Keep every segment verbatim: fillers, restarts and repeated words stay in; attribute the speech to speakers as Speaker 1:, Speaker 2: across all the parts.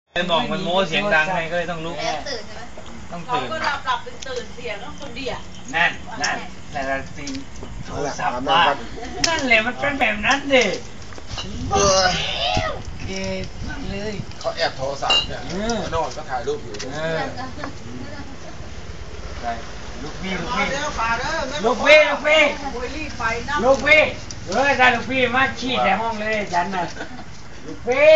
Speaker 1: ไอ้หมองมันโม้เสียงดังไงก็เลยต้องลุก
Speaker 2: ตื่นใช่ไหม
Speaker 1: ต้องตื่น
Speaker 2: เขาก็หลับหลับตื่นตื่นเสียงแล้วคนเดียว
Speaker 1: นั่นนั่นแต่ละสิ่งโทรศัพท์บ้านนั่นแหละมันเป็นแบบนั้นดิเออเกย์เลย
Speaker 3: เขาแอบโทรศัพท์เนี่ยนอนก็ถ่ายรูปอยู่
Speaker 1: เออไปลูกพี่ลูกพี่ลูกพี่ลูกพี่ลูกพี่เออถ้าลูกพี่มาชี้แต่ห้องเลยฉันน่ะลูกพี่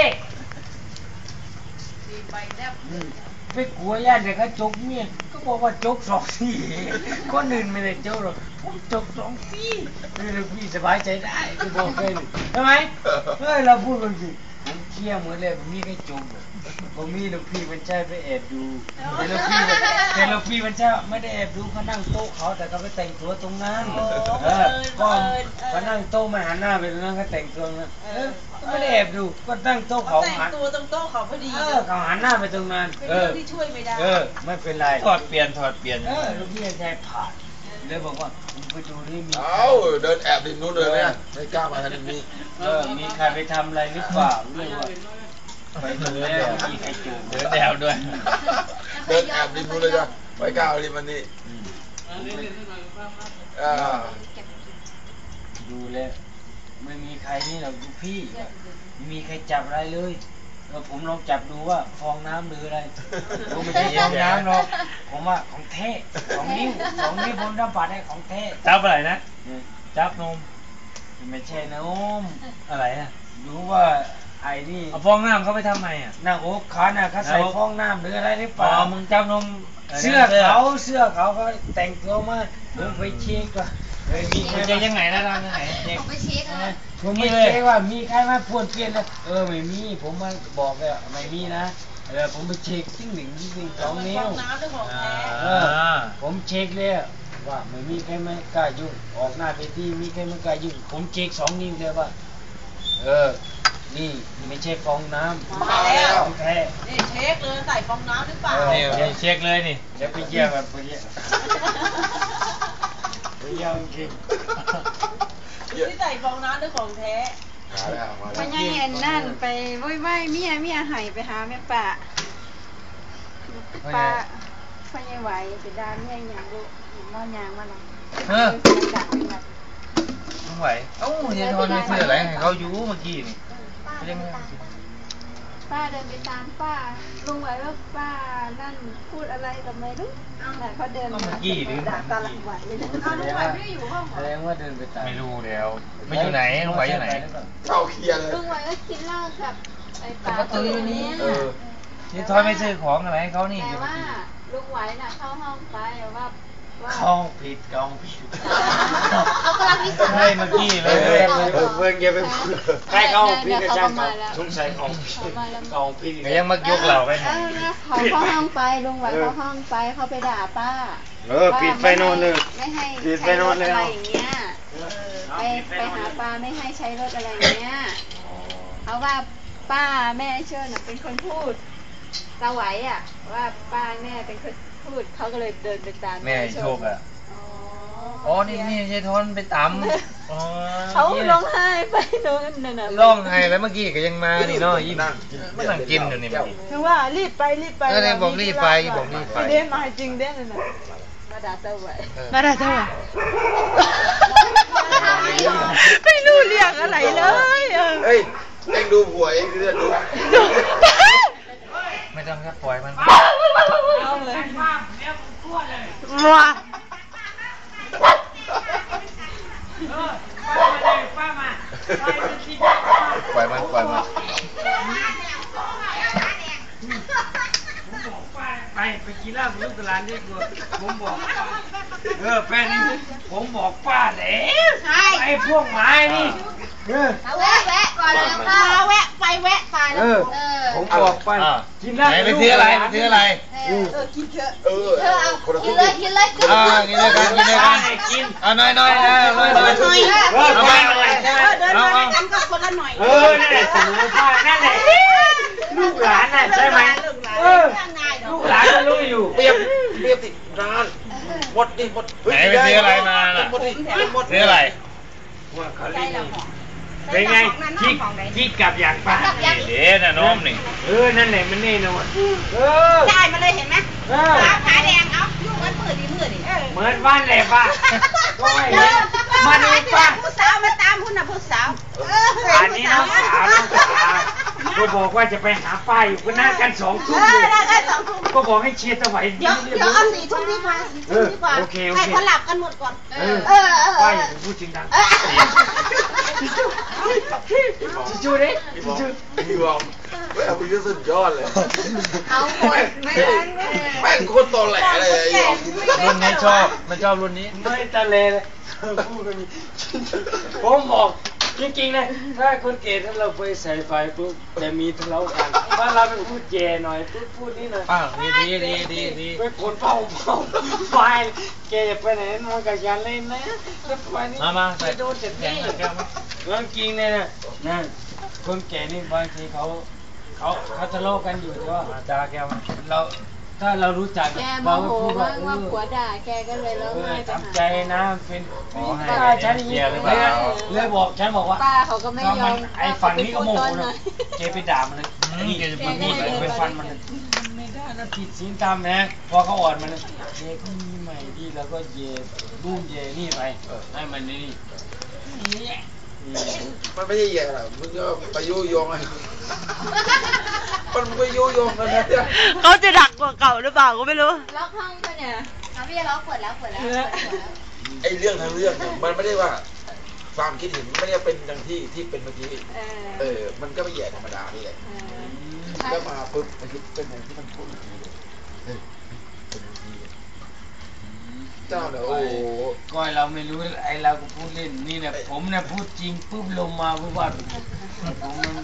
Speaker 1: ไม่กลัวญาติเด็กเขาจกเมียก็บอกว่าจกสองทีคนอื่นไม่ได้จกหรอกผมจกสองทีลูกพี่สบายใจได้ที่บอกเลยทำไมเฮ้ยเราพูดกันสิผมเชี่ยเหมือนเลยผมมีแค่จกผมมีลูกพี่มันใช่ไปแอบดูแต่ลูกพี่แต่ลูกพี่มันใช่ไม่ได้แอบดูเขานั่งโต๊ะเขาแต่เขาไปแต่งตัวตรงนั้นเออก็เขานั่งโต๊ะมาหันหน้าไปตรงนั้นเขาแต่งตัวนั้นเออก็ไม่ได้แอบดูก็นั่งโต๊ะเขา
Speaker 2: แต่งตัวตรงโต๊ะเขาพอดี
Speaker 1: เออเขาหันหน้าไปตรงนั้น
Speaker 2: เออที่ช่วยไม่ได้
Speaker 1: เออไม่เป็นไร
Speaker 3: ถอดเปลี่ยนถอดเปลี่ยน
Speaker 1: เออลูกพี่ใช้ผ่านเลยบอกว่าผมไปดูนี่มี
Speaker 3: เอ้าเดินแอบริมนู้นเลยเนี่ยไม่กล้ามาทางนี้
Speaker 1: เออมีใครไปทำอะไรหรือเปล่าเรื่องว่าไปดูแล้วมีใครจูบ
Speaker 3: เดินแอบด้วยเดินแอบริมนู้นเลยจ้ะไม่กล้าริมมันนี่
Speaker 1: ดูแล้วไม่มีใครนี่หรอกลูกพี่ไม่มีใครจับอะไรเลยเออผมลองจับดูว่าฟองน้ำหรืออะไรผมไม่ใช่ฟองน้ำหรอกผมว่าของแท้สองนิ้วสองนิ้วบนด้ามปัดได้ของแท้
Speaker 3: จับอะไรนะ
Speaker 1: จับนมไม่ใช่นมอะไรนะรู้ว่าไอ้นี่
Speaker 3: เอาฟองน้ำเขาไปทำไมอ่ะ
Speaker 1: หน้าอกขาน่ะเขาใส่ฟองน้ำหรืออะไรหรือเปล่า
Speaker 3: อ๋อมึงจับนม
Speaker 1: เสื้อเขาเสื้อเขาเขาแต่งตัวมาผมไปเช็คว่าเฮ้ยมีใคร
Speaker 3: ยังไงนะเรายังไง
Speaker 2: ผมไปเช็คนะ
Speaker 1: ผมไม่เช็คว่ามีใครมาพูดเปลี่ยนเลยเออไม่มีผมมาบอกเลยไม่มีนะเออผมไปเช็คทิ้งหนึ่งทิ้งหนึ่งสองนิ้วเออผมเช็คเลยว่าไม่มีใครไม่กล้ายุ่งออกหน้าไปที่มีใครไม่กล้ายุ่งผมเช็คสองนิ้วเลยว่าเออนี่ไม่ใช่ฟองน้ำ
Speaker 2: มาแล้ว
Speaker 1: แท้
Speaker 2: นี่เช็คเลยใส่ฟองน้ำหรือเปล่า
Speaker 3: นี่เช็คเลยนี่
Speaker 1: เดี๋ยวไปเยี่ยมแบบไปเยี่ยมไปเยี่ยมจริง
Speaker 2: ที่ใส่ฟองน้ำด้วยของแท้
Speaker 4: พญายอันนั่นไปว้ยว้ยเมียเมียหายไปหาแม่ป่าป่าพญายไหวไปดามเมียอย่างดูมอยางมาหน่อย
Speaker 3: เออไม่ไหวเอ้าเดี๋ยวทอนไม่ซื้ออะไรให้เขาอยู่เมื่อกี้นี่
Speaker 4: ป้าเดินไปตามป้าลุงไหวว่าป้านั่นพูดอะไรกับไม่รู้แต่เขาเดินมาด่าตาหลังไหวเลย
Speaker 2: อ้าวลุงไหวไม่ได้อยู่ห้อง
Speaker 1: แสดงว่าเดินไปตาม
Speaker 3: ไม่รู้แล้วไม่อยู่ไหนลุงไหวอยู่ไหนเข้าเคลียร์เลย
Speaker 4: ลุงไหวก็กินเหล้ากับไอ้ป้า
Speaker 3: ตัวนี้นี่ทอยไม่ซื้อของอะไรให้เขานี่
Speaker 4: แต่ว่าลุงไหวน่ะเข้าห้องไปว่า
Speaker 1: เข้าผิดกองผิด
Speaker 2: เขากำลังพิสูจน์
Speaker 3: ให้เมื่อกี้เลย
Speaker 1: เพื่อนแกไปใครเข้าผิดกระชังสงสัยของกองผิด
Speaker 3: ยังมักยกเราไป
Speaker 4: เขาเข้าห้องไปลุงไหวเข้าห้องไปเขาไปด่าป้า
Speaker 1: เออปิดไฟนอนเลย
Speaker 4: ไม่ให้ใช้รถอะไรอย่างเงี้ยไปไปหาป้าไม่ให้ใช้รถอะไรอย่างเงี้ยเขาว่าป้าแม่เชิญเป็นคนพูดตาไหวอ่ะว่าป้าแม่เป็นคนพูดเขาก็เลยเดินไปตาม
Speaker 3: แม่โชคอ่ะอ๋อนี่นี่ใช่ทอนไปตำอ๋อ
Speaker 4: เขาร้องไห้ไปโน่นนั่นน่ะ
Speaker 3: ร้องไห้แล้วเมื่อกี้ก็ยังมานี่เนาะยิ่งมันนั่งกินอยู่นี่
Speaker 4: คือว่ารีบไปรีบไป
Speaker 3: เออบอกรีบไปบอกรีบไป
Speaker 4: เด้มาจริงเด้นั่นน่ะมาด่าตาไหว
Speaker 3: มาด่าตาไหว
Speaker 4: ไม่รู้เรื่องอะไรเลย
Speaker 3: เฮ้ยเอ็งดูผัวเอ็งดูดูไม่ต้องครับปล่อยมัน
Speaker 4: เอาเลยว้า
Speaker 3: ปล่อยมันปล่อยมัน
Speaker 1: ไปไปกินเหล้าลูกตลาดนี่กูผมบอกเออแฟนนี่ผมบอกป้าแล้วไอ้พวกไม้นี่
Speaker 2: เออแวะแวะก่อนเลยป้าแวะไปแวะไปแล้ว
Speaker 1: เออผมบอกป้า
Speaker 3: กินเหล้าไปซื้ออะไรไปซื้ออะไร
Speaker 2: เออกินเถอะเออเธอเอากินเลยกินเลย
Speaker 3: อ่ากินเลยกันกินเลยกันกินเอาน้อยน้อยนะน้อยน้อยเอาไปเอาไป
Speaker 2: เดินมาด้วยกันก็คนละหน่อย
Speaker 1: เออนั่นแหละสมุนไพรนั่นแหละลูกหลานน่ะใช่ไหมเออลูกหลานก็รู้อยู่
Speaker 3: เปรียบเปรียบติดนานหมดดิหมดไหนไปซื้ออะไรมาล่ะซื้ออะไร
Speaker 1: ว่าเขาเล่นเป็นไงคิดคิดกลับอย่างป้า
Speaker 3: เดี๋ยวนะน้องนี่
Speaker 1: เออนั่นแหละมันแน่นอนเออ
Speaker 2: ได้มาเลยเห็นไหม
Speaker 1: เออ
Speaker 2: สาวขาแดงเอาลูกมันมืดดิมืดดิ
Speaker 1: เหมือนบ้านแหละป้าก็ไม่เห็นมาดูป้า
Speaker 2: ผู้สาวมาตามคุณน่ะผู้สาว
Speaker 1: อันนี้น้องสาวน้องสาวก็บอกว่าจะไปหาป้าอยู่ก็นัดกันสองทุ่ม
Speaker 2: เอ
Speaker 1: เล
Speaker 2: อย ได้กันสองทุ่ม
Speaker 1: ก็บอกให้เชียร์สวัย
Speaker 2: เดี๋ยวเดี๋ยวเอาสี่ทุ่มดีกว่าสี่ทุ่มดีกว่า
Speaker 1: โอเคโอเค
Speaker 2: ให้เขาหลับกันหมดก่อน
Speaker 1: เออ
Speaker 2: เออเออ
Speaker 1: ป้าอย่าพูดจริงดังจูดิจู
Speaker 5: พี่บอกแม่พี่ก็สุดยอดเลย
Speaker 2: เอาหมดไม่ทัน
Speaker 5: แม่งโคตรตอแหลเลยไอ้หยอง
Speaker 3: รุ่นนี้ชอบมันชอบรุ่นนี้
Speaker 1: ไม่ตะเลเลยพูดกันนี้ผมบอกจริงๆนะถ้าคนเกย์ถ้าเราไปใส่ไฟปุ๊บจะมีทะเลาะกันถ้าเราไปพูดแย่หน่อยพูดพูดนี่หน่อย
Speaker 3: อ้าวดีดีดีดีดี
Speaker 1: ไปคนเฝ้าเฝ้าไฟแกอย่าไปไหนมันกับยาเล่นนะแล้วไฟนี่
Speaker 3: มามา
Speaker 1: ไป
Speaker 3: ใส่
Speaker 1: โดนเจ็บ
Speaker 3: แข็
Speaker 1: นี่
Speaker 3: งแก้วมา
Speaker 1: เรื่องจริงเนี่ยนะนั่นคนแก่นี่บางทีเขาเขาเขาทะเลาะกันอยู่แต่ว่า
Speaker 3: มาจ้าแก้วมา
Speaker 1: เราถ้าเรารู้จัก
Speaker 4: แกโม
Speaker 1: เรา
Speaker 4: โห
Speaker 1: ก็พูดว่า
Speaker 4: ว่า
Speaker 1: เอ
Speaker 4: ว่า
Speaker 1: อ
Speaker 4: ผัวด่าแกก็เลยร้อง
Speaker 1: เออ
Speaker 4: ไห้ไปหา
Speaker 1: ทำใจนะเป็น
Speaker 3: ขอให้
Speaker 1: ป้าฉันอย่างนี้
Speaker 3: เคลียร์หรือเป
Speaker 1: เลย
Speaker 3: ล่า
Speaker 1: เลยบอกฉันบอกว่า
Speaker 4: ป้าเขาก็ไม่ยอม
Speaker 1: ไอ้ฝั่งนี้ก็โมโห
Speaker 4: ว่าเขาไปพูดตอนไหน
Speaker 1: นะเจไปด่ามันเลย
Speaker 3: อืม
Speaker 1: นี่
Speaker 3: แกจะ
Speaker 1: มั
Speaker 3: มาน พู
Speaker 1: พู
Speaker 3: ด
Speaker 1: ด
Speaker 3: อะไร
Speaker 1: ไปฟันมันเลยไม่ได้นะผิดศีลธรรมนะพอเขาอ่อนมันเลยเจก็มีใหม่ดีแล้วก็เยรุ่มเยนี่ไปให้มันนี่นี่
Speaker 5: มันไม่ใช่แย่หรอกมึงก็ไปยุยงไอ้มันไปยุยงกันนะเนี่ย
Speaker 6: เขาจะดักกว่าเก่าหรือเปล่าก็ไม่รู้
Speaker 4: ล็อกห้องปะเนี่ย
Speaker 2: เอาพี่จะร้องเปิดแล้วเปิดแล้วเปิดแล้ว
Speaker 5: ไอ้เรื่องทั้งเรื่องเนี่ยมันไม่ได้ว่าความคิดเห็นไม่ได้เป็นอย่างที่ที่เป็นเมื่อกี้
Speaker 4: เออ
Speaker 5: เออ มันก็ไม่แย่ธรรมดานี่แหละ
Speaker 4: เออ
Speaker 5: แล้วมาปุ๊บมันคิดเป็นอย่างที่มันพูดเมื่อกี้เลยเฮ้ยเป็นอย่างนี้เลยเจ้าเนี่ยโอ้โห
Speaker 1: ก้อยเราไม่รู้ไอ้เราก็พูดเล่นนี่เนี่ยผมเนี่ยพูดจริงปุ๊บลงมาปุ๊บว่าผมมัน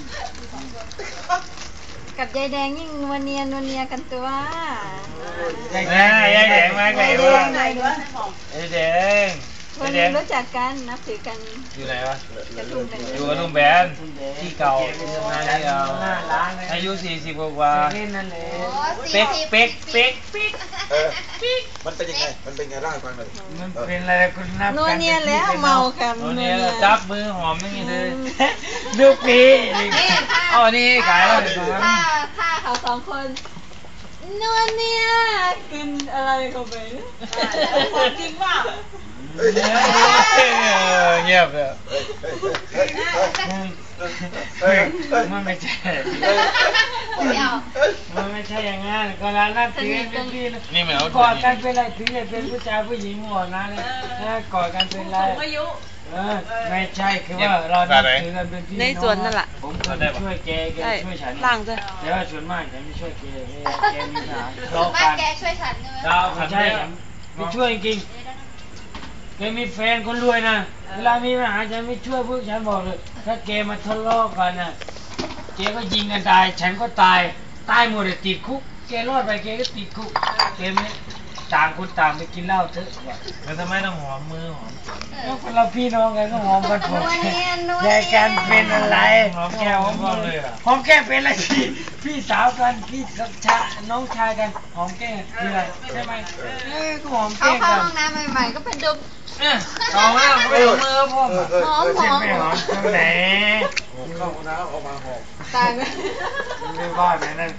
Speaker 4: กับยายแดงยิ่งวันเนียนวันเนียกันตัว
Speaker 1: ใหญ่
Speaker 3: แม่ยายแดงมาไง
Speaker 4: ยายแด
Speaker 3: วะ
Speaker 4: งไหนวะ
Speaker 3: ยายแดง
Speaker 4: วั
Speaker 3: ยาน ยแด
Speaker 4: นี้
Speaker 3: ง
Speaker 4: รู้จักกันนับถือกัน
Speaker 3: อยู่ไหนวะ
Speaker 4: กระทุ่มกัน
Speaker 3: อยู่กับลุงแบนที่เก่าที่ทำงานที่เก่า
Speaker 1: หน้าร้านเลย
Speaker 3: อายุสี่สิบกว่า
Speaker 1: เล่นนั่นแหละ
Speaker 3: เป๊กเป๊กเป๊ก
Speaker 5: เออมันเป็นยังไง มันเป็นไงเล่าให้ฟังหน่อย
Speaker 1: มันเป็นอะไรคุณนับ
Speaker 4: นัวเนียแล้วเมากัน
Speaker 3: โอ้
Speaker 4: นัว
Speaker 3: เนี่
Speaker 4: เนี
Speaker 3: ย
Speaker 4: ย
Speaker 3: จับมือหอมอย่างนี้เลย
Speaker 1: ดูปี
Speaker 3: อ๋อนี่ขายแล้วเดี๋ยว
Speaker 4: ถ้าถ้าเขาสองคนนัวเนียกินอะไรเข้าไปเนี่ย
Speaker 2: จริงว่า
Speaker 5: เฮ้ย
Speaker 3: เงียบเลย
Speaker 5: เฮ้ยเฮ้ยเฮ้ยเฮ้ย
Speaker 1: มันไม่ใช่
Speaker 5: เฮ้ย
Speaker 2: ไม่เอา
Speaker 1: มันไม่ใช่อย่างนั้นก็ร้านนับถือเป็นพี่นะ
Speaker 3: นี่เหมือนเอา
Speaker 1: กอดกันเป็นไรถึงจะเป็นผู้ชายผู้หญิงหมดนะเนี่ยนะกอดกันเป็นไร
Speaker 2: อายุ
Speaker 1: เออไม่ใช่คือว่าเรานับถือกันเป็นพี่
Speaker 6: ใน
Speaker 1: น้อง
Speaker 6: สวนนั่นแหละ
Speaker 1: ผมเคยช่วยแกแก
Speaker 6: ใช่
Speaker 1: ช่วยฉัน
Speaker 6: ล่างด้วย
Speaker 1: แต่ว่าส่วนมากฉันไม่ช่วยแกแกมีปัญหาทะเลาะ
Speaker 2: บ้า
Speaker 1: กัน น
Speaker 2: แกช่วยฉันใช่ไหม
Speaker 3: ดาว
Speaker 1: ไม่
Speaker 3: ขัน
Speaker 1: ใช่
Speaker 3: ใช่
Speaker 1: ฉันไม่ช่วยจริงๆแกมีแฟนคนรวยนะเวลามีปัญหาฉันไม่ช่วยพวกฉันบอกเลยถ้าแกมาทะเลาะกันนะแกก็ยิงกันตายฉันก็ตายตายหมดเลยติดคุกแกรอดไปแกก็ติดคุกแกไม่ต่างคนต่างไปกินเหล้าเถอะว่ะ
Speaker 3: แล้วทำไมต้องหอมมือหอม
Speaker 1: แล้วคนเราพี่น้องกันก็หอมกันหมด
Speaker 4: นัวเนียนัว
Speaker 1: แย
Speaker 4: เนี
Speaker 1: กกันเป็นอะไร
Speaker 3: หอมแก้วหอมก้อนเลยอ่ะ
Speaker 1: หอมแก้มเป็นอะไรพี่พี่สาวกันพี่ชาน้องชายกันหอมแก้มคืออะไรใช่ไหมเออก็หอม
Speaker 4: เขา
Speaker 1: แก้ม
Speaker 4: เข้า
Speaker 1: กัน
Speaker 4: ห้องน้ำใหม่ๆก็เป็นดุม
Speaker 1: เนี่ยเอามาไม่เอามือพ่อมา
Speaker 5: เออ
Speaker 4: หอม
Speaker 1: ไม่ใช่ไม่หอมตรงไหน
Speaker 5: เข้าห้องน้ำออกมาหอม
Speaker 4: ตายไหม
Speaker 1: ไม่ว่าแบบนั้น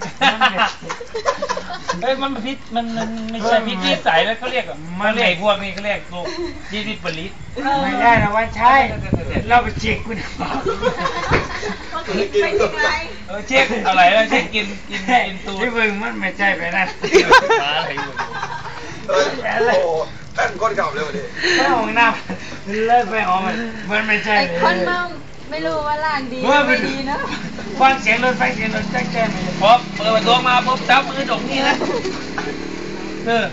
Speaker 3: เฮ้ยมันพิษมันมันไม่ใช่พิษที่ใสแล้วเขาเรียกอ่ะมันเรียกพวกนี้เขาเรียกโรคที่ที่ผลิต
Speaker 1: ไม่ได้นะว่าใช่เราไปเช็คคุณหมอ
Speaker 2: เป็นยังไง
Speaker 3: เออเช็คอะไรแล้วเช็คกินกินกินตูด
Speaker 1: ที่มึงมันไม่ใช่ไปนั่น
Speaker 3: มาอะไรอยู่
Speaker 5: เฮ้ยโอ้โหแป้งก้นเก่าเลยวันนี้
Speaker 1: ไม่หอมน้ำเลิกไปหอมมันมันไม่ใช่
Speaker 4: ไอ้คนเมาไม่รู้ว่าล่างดีหรือไม่ดีเนาะ
Speaker 1: ฟังเสียงรถไฟเสียงรถแจ๊กแจ๊กเลย
Speaker 3: พอเปิดประตูมาปุ๊บจับมือดกนี่นะเออ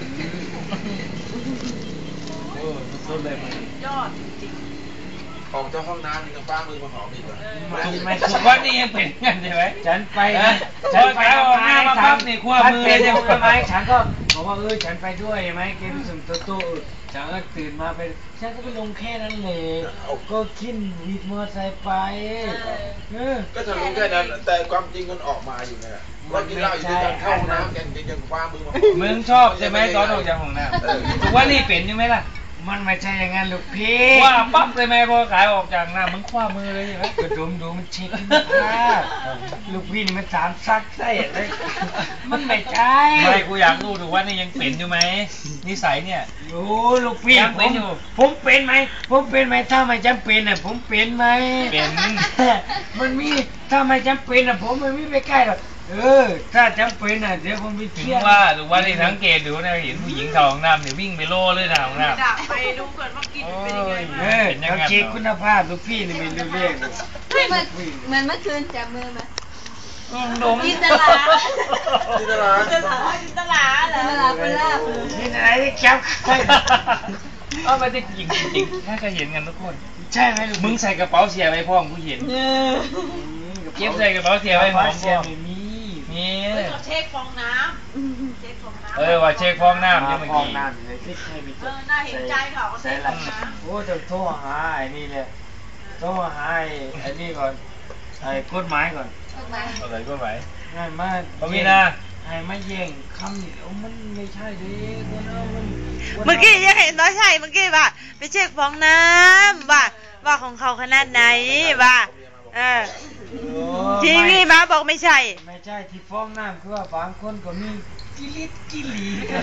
Speaker 3: โอ้สุดเลยมัน
Speaker 2: ยอด
Speaker 5: ออกจากห้องน้ำนี่ก็ป้ามือมาหอมอีกเหรอ
Speaker 1: ไม่
Speaker 3: ทุกวันนี้ยังเป็นกันใช่ไหม
Speaker 1: ฉันไป
Speaker 3: เออ
Speaker 1: ฉันไป
Speaker 3: พอขายออกหน้ามาปั๊บนี่คั่วมือ
Speaker 1: ฉัน
Speaker 3: เลย
Speaker 1: เป็นทำไมฉันก็บอกว่าเออฉันไปด้วยไหมเกมสุ่มตัวตู้ฉันก็ตื่นมาไปฉันก็ไปลงแค่นั้นเลยก็ขึ้นวิดมอเตอร์ไซค์ไปเออ
Speaker 5: ก็จะรู้แค่นั้น แต่ความจริงมันออกมาอยู่เนี่ยว่ากินเหล้าอยู่ด้วยกันเข้าห้องน้ำกันยังป้ามือมาหอม
Speaker 3: มึงชอบใช่ไหมตอนออกจากห้องน้ำทุกวันนี้เป็นใช่ไหมล่ะ
Speaker 1: มันไม่ใช่อย่างนั้นลูกพี่
Speaker 3: ว่าปั๊บเลยไหมพอขายออกจากหน้ามึงคว้ามือเลยใช่ไหม
Speaker 1: กระดมดูมันเช็คภาพลูกพี่นี่มันสามซักไส้อะไรมันไม่ใช่
Speaker 3: ไม่กูอยากรู้ดูว่านี่ยังเป็นอยู่ไหมนิสัยเนี่ย
Speaker 1: โอ้ลูกพี่
Speaker 3: ยัง
Speaker 1: ผ
Speaker 3: เป็น
Speaker 1: ม
Speaker 3: อยู่
Speaker 1: ผมเป็นไหมผมเป็นไหมถ้าไม่จำเป็นอ่ะผมเป็นไหม
Speaker 3: เป็น
Speaker 1: มันมีถ้าไม่จำเป็นอ่ะผมไม่มีไปใกล้หรอกเออถ้าจำเป็นอ่ะเดี๋ยวผมไป
Speaker 3: ถึง
Speaker 1: เที่ยว
Speaker 3: ว่าดูว่านี่สังเกตดูนะเห็นผู้หญิงเข้าห้องน้ำเนี่ยวิ่งไปโล่เลยนะห้องน้ำ
Speaker 2: ดักไปดูก่อนว่ากินเป็นยังไง
Speaker 1: เออเขาเช็คคุณภาพลูกพี่นี่ไม่รู้เรื่องเลย
Speaker 4: เหมือนเหมือนเมื่อคืนจับมือมา
Speaker 3: ดม
Speaker 2: จินตลา
Speaker 5: ที่ตลาด
Speaker 2: จินตลาจินตลาเหรอ
Speaker 4: เวลาคนลาบเลย
Speaker 1: นี่อะไรที่แก๊ปใช่
Speaker 3: เอาไปที่จริงจริงๆถ้าจะเห็นกันทุกคน
Speaker 1: ใช่ไหมลูก
Speaker 3: มึงใส่กระเป๋าเสียไว้พ่อมึงกูเห็น เก็บใส่กระเป๋าเสียไว้หอม
Speaker 1: เสี
Speaker 3: พ่
Speaker 1: ย
Speaker 3: อ
Speaker 1: ไม่มี
Speaker 3: นี่
Speaker 2: เฮ้ยเขาเช็คฟองน้ำเช็คฟองน้ำ
Speaker 3: เออว่าเช็คฟองน้ำยังไม่
Speaker 1: ฟอ
Speaker 3: กี่
Speaker 1: งน้ำเลยที่ให้มี
Speaker 2: เออน่าเห็นใจเขาเขาเช็คฟองน้ำ
Speaker 1: โอ้จะโทรหาไอ้นี่เลยโทรหาไอ้ไอ้นี่ก่อนไอ้กฎหมายก่อน
Speaker 3: อะไรก็ไหว
Speaker 1: ง่ายมาก
Speaker 3: บ่มีนะ
Speaker 1: ให้มาแย่งคำนี่โอ้มันไม่ใช่ดิคนเอามัน
Speaker 6: เมื่อกี้ยังเห็นน้อยใช่เมื่อกี้ว่าไปเช็คฟองน้ำว่าว่าของเขาขนาดไหนว่าเออ
Speaker 1: โอ้
Speaker 6: ทีนี้มาบอกไม่ใช่
Speaker 1: ไม่ใช่ที่ฟ้องน้ำคือว่าบางคนก็มีกิริตกิลี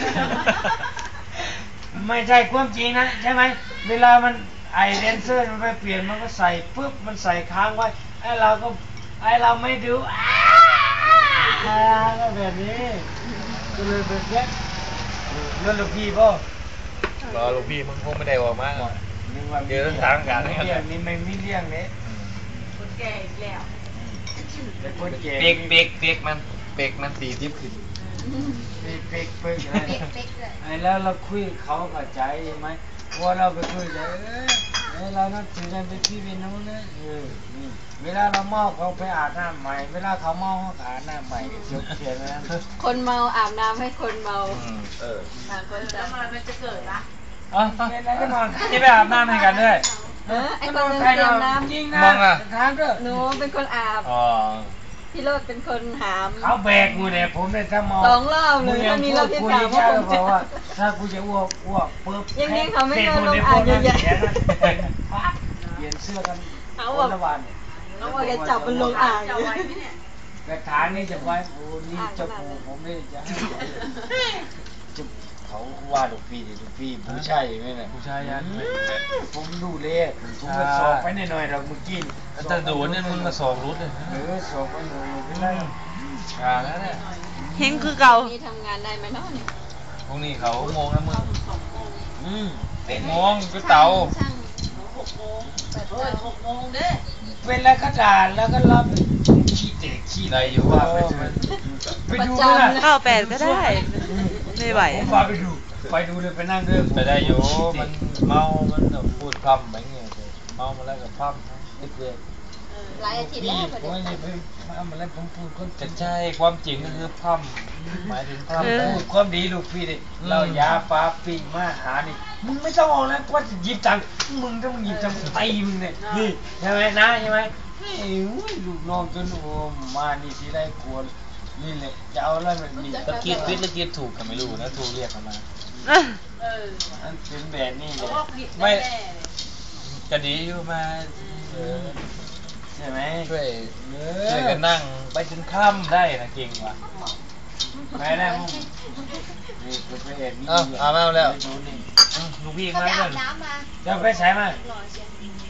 Speaker 1: ไม่ใช่ความจริงนะใช่ไหมเวลามันไอเดนเซอร์มันไปเปลี่ยนมันก็ใส่ปุ๊บมันใส่ค้างไว้ไอเราก็ไอเราไม่ดูอ้าก็แบบนี้ก็เลยแบบนี้แล้วลูกพี่ป่ะ
Speaker 3: รอลูกพี่มึงคงไม่ได้ออกมา
Speaker 1: นึกว่า
Speaker 3: เดี๋ยวทางการ
Speaker 1: ไม่เลี้ยงนี่ไม่มีเลี้ยงเนี่ย
Speaker 2: คนแก่อีกแล้ว
Speaker 1: เป็นคนแก่
Speaker 3: เปีกเปีกเปีกมันเปีกมันตีทิพขึ้น
Speaker 1: เป๊กเป๊กเป๊ก
Speaker 4: เป๊กเป๊กเลย
Speaker 1: ไอ้แล้วเราคุยเขาเข้าใจไหมว่าเราไปคุยใจเออเออเรานับถือกันเป็นพี่เป็นน้องนะเออนี่เวลาเราเมาเขาไปอาบน้ำใหม่เวลาเขาเมาเขาอาบน้ำใหม่จบเขียนแล้ว
Speaker 4: คนเมาอาบน้ำให้คนเมา
Speaker 5: เออ
Speaker 4: ต่างคน
Speaker 2: แล้
Speaker 4: ต่าว ง
Speaker 2: มันมันจะเกิดละ
Speaker 3: อ๋อ
Speaker 1: เป็นอะไรก็นอน
Speaker 3: ที่ไปอาบน้ำให้กันด้วย
Speaker 4: เออไอคนนึงเตรียมน้ำ
Speaker 1: จริงนะ
Speaker 3: มองอะ
Speaker 1: ถามด้วย
Speaker 4: หนูเป็นคนอาบ
Speaker 3: อ๋อ
Speaker 4: พี่โรดเป็นคนหาม
Speaker 1: เขาแบกกูเนี่ยผมเลยถ้าเมา
Speaker 4: สองรอบเลยแล้วมีรอบที่สาม
Speaker 1: ว่า
Speaker 4: ว่าผมจะ
Speaker 1: บอกว่าถ้ากูจะอ้วกอ้วกปุ๊บ
Speaker 4: ยังไงเขาไม่โดนลงอ่างใหญ่ๆ
Speaker 1: เปลี่ยนเสื้อกัน
Speaker 4: เอา
Speaker 1: ค
Speaker 4: แบบ
Speaker 1: นละวันเนี่ย
Speaker 4: เอาว่าจะจับมันลงอ่าง
Speaker 2: จะไว้ไหมเนี่ย
Speaker 1: กระถางนี่จะไว้โอ้นี่เจ้าปู่ผมนี่จะให้จะเขาว่าลูกพี่ดิลูกพี่ผู้ชายอย่างนี้นะ
Speaker 3: ผู้ชายยัน
Speaker 1: ผมดูเลยผมก็สอบไปหน่อยๆเราเมื่อกี้
Speaker 3: แต่โดนเนี่ยมึงมาสองรุดเลย
Speaker 1: เออสอบไปหน่อยไม่ได้
Speaker 3: อ่าแล้วเนี่ย
Speaker 6: เฮงคือเก่า
Speaker 4: นี่ทำงานได้ไหมเนาะเนี่ย
Speaker 3: พรุ่งนี้เขาโมงนะมึง
Speaker 1: อืม
Speaker 3: เด็กโมงก็เตา
Speaker 4: ช่าง
Speaker 2: หกโมงเฮ้ยหกโมงเด้
Speaker 1: เป็นแล้วก็ด่าแล้วก็รับขี้เตะขี้
Speaker 3: ได้อยู่ว่าไป
Speaker 1: ไปดูเลยนะ
Speaker 6: เข้าแปดก็ได้ ไม่ไหว
Speaker 1: ผมพาไปดูไปดูเลยไปนั่งด้วย
Speaker 3: ไปได้อยู่มันเมา มันพูดพร่ำอะไรเงี้ยเมามาแล้วก็พร่ำนิดเดียว
Speaker 4: หลายอาทิตย์
Speaker 1: พี่
Speaker 4: แล้วพอ
Speaker 1: ผม
Speaker 4: ดี
Speaker 1: ว่าอย่าไปทำอะไรผมพูดคน
Speaker 3: จะใช่ความจริงก็คือพร่ำหมายถึงพร่ำ
Speaker 6: เออ
Speaker 1: พูดความดีลูกพี่ดิเรายาปลาปิ้งมาหานี่มึงไม่ต้องออกแล้วว่าจะหยิบจังมึงต้องหยิบจังตีมึงเนี่ยนี่ใช่ไหมนะใช่ไหมเฮ้ยลูกน้องจนโอ้มานี่ทีไรกลัวนี่แหละจะเอาอะไรมันนี่
Speaker 3: ตะกี้ฟิตตะกี้ถูกกันไม่รู้นะถูกเรียกกันมา
Speaker 6: เออ
Speaker 2: เออ
Speaker 1: มันเป็นแบบนี้เล
Speaker 2: เขา
Speaker 1: ย
Speaker 2: ว่าผิด
Speaker 3: ไม่
Speaker 2: แน่
Speaker 3: จะดีอยู่มาเออ
Speaker 1: ใช่ไหม
Speaker 3: ช่วย
Speaker 1: เอ
Speaker 3: ช่วย
Speaker 1: อ
Speaker 3: กันนั่งไปจนค่ำได้นะเก่งว่ะ
Speaker 1: ไปได้มึงนี่คือไปแอบนี่
Speaker 3: เอ้าเอามาแล้ว
Speaker 1: ดูนี่
Speaker 3: อืมลูกพี่
Speaker 4: เขา
Speaker 3: มา
Speaker 4: ไป
Speaker 3: เพื่
Speaker 4: อา
Speaker 3: อน
Speaker 4: บน้ำมา
Speaker 1: จะไปใช้มา
Speaker 4: หล่อเชียว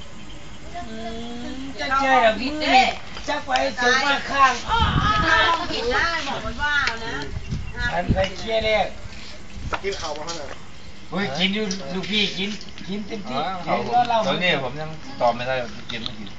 Speaker 1: จะเจอแบบนี้จะไปถึงมาข้างอ้อ
Speaker 2: ๆถ้าลองผิดได้บอกมันว่านะห้าม
Speaker 1: อัน
Speaker 2: ผิด
Speaker 1: ไปเคลียร์เลย
Speaker 5: กินข้าวบ้างนะ
Speaker 1: เฮ้ยกินอยู่ลูกพี่กินกินเต็ม
Speaker 3: อ๋
Speaker 1: ที่
Speaker 3: อ
Speaker 1: เดี๋
Speaker 3: เขา
Speaker 1: ยวเรา
Speaker 3: ตอนนี้ผมยังตอบไม่ได้ว่ากินไม่กิน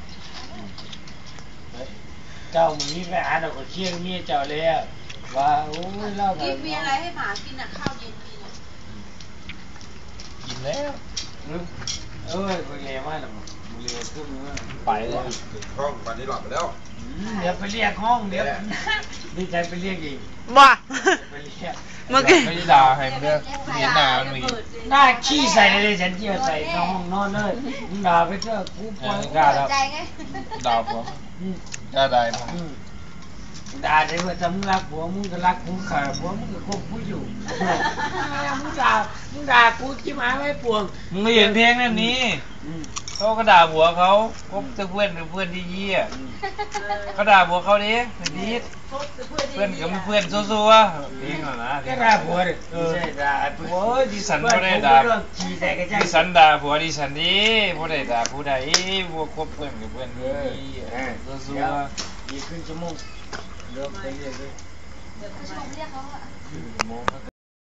Speaker 1: เจ้ามึงนี่ไปอ่านเอาก็เคลียร์เมียเจ้าเลยอะว่าโอ้ยเล่า
Speaker 2: กินมีอะไรให้หมากินอ่ะข้าวเย็นกินอ่ะ
Speaker 3: กินแล้ว
Speaker 1: เอ้ยไปเรียนมาแล้วมึงเรียนขึ้นมา
Speaker 3: ไปเลย
Speaker 5: ห้องวันนี้หลับไปแล้ว
Speaker 1: เดี๋ยวไปเรียกห้องเดี๋ยวดีใจไปเรียกอีก
Speaker 6: ว่า
Speaker 1: ไปเรียก
Speaker 6: เมื่อกี้
Speaker 3: ไม่ได้ด่าให้มันเด้อเห็นหน้ามันมี
Speaker 1: หน้าขี้ใส่เลยฉันเจียวใส่ในห้องนอนเลยมึงด่าไปเถอะกูปล่อย
Speaker 3: กล้าแล้ว
Speaker 4: ใจไง
Speaker 3: ด่าผม
Speaker 1: อืม
Speaker 3: กล้าได้ผม
Speaker 1: อืมด่าได้ว่าจะมึงรักผัวมึงก็รักกูขาผัวมึงก็คบกูอยู่มึงด่ามึงด่ากูจิ้มหาไว้ปวง
Speaker 3: มึงไม่เห็นเพลงนั่นนี้
Speaker 1: อืม
Speaker 3: เขาก็ด่าผัวเขาคบแต่เพื่อนเป็นเพื่อนที่เยี่ยเขาด่าผัวเขาดิมันดีเพื่อนกับเพื่อนซัวๆเพลงเหรอนะ
Speaker 1: ก็ด่าผัวดิไม่ใช่ด่าผัว
Speaker 3: โอ้ยดิฉันไม่ได้ด่า
Speaker 1: เรื่องขี้ใส่กระจัง
Speaker 3: ดิฉันด่าผัวดิฉันดิผู้ใดด่าผู้ใดพวกคบเพื่อนกับเพื่อนที่เยี่ยซัว
Speaker 1: อีกครึ่งชั่วโมงเลิกไปเรื่อยๆ
Speaker 2: เดี๋ยวเขาชมเรียกเขาอะ
Speaker 3: ๆชั่วโมง